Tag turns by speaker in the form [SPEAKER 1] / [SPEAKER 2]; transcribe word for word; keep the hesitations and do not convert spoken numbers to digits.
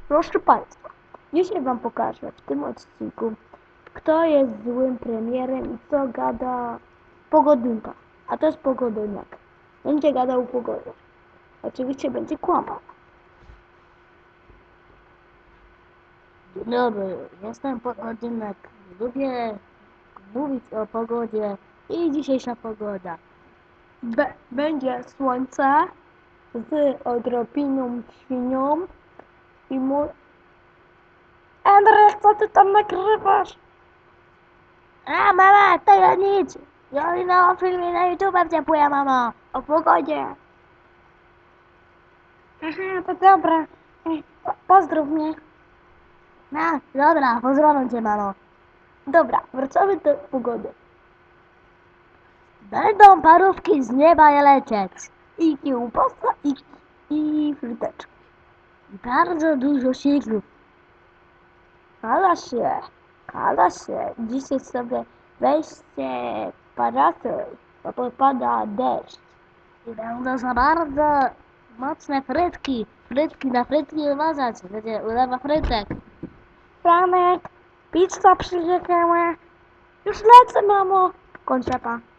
[SPEAKER 1] Proszę Państwa, dzisiaj Wam pokażę w tym odcinku, kto jest złym premierem i co gada pogodynka. A to jest pogodynek. Będzie gadał pogodę. Oczywiście będzie kłamał.
[SPEAKER 2] Dzień dobry, jestem Pogodynek. Lubię mówić o pogodzie i dzisiejsza pogoda.
[SPEAKER 1] Be będzie słońce z odrobiną świnią i mu... Andrzej, co ty tam nagrywasz?
[SPEAKER 2] A mama, to ja nic. Ja na filmie na YouTube wciąpuję, mamo. O pogodzie.
[SPEAKER 1] Aha, to dobra. Ej, po pozdrów mnie.
[SPEAKER 2] No, dobra, pozdrawiam cię, mamo.
[SPEAKER 1] Dobra, wracamy do pogody.
[SPEAKER 2] Będą parówki z nieba lecieć.
[SPEAKER 1] I kiełbasa, i, i fryteczki.
[SPEAKER 2] I bardzo dużo śniegu.
[SPEAKER 1] Kala się, kala się. Dzisiaj sobie weźcie parasol, bo popada deszcz.
[SPEAKER 2] I będą za bardzo mocne frytki. Frytki na frytki uważać. Będzie ulewa frytek.
[SPEAKER 1] Franek, pizza przyjechała. Już lecę, mamo. Kończę pa.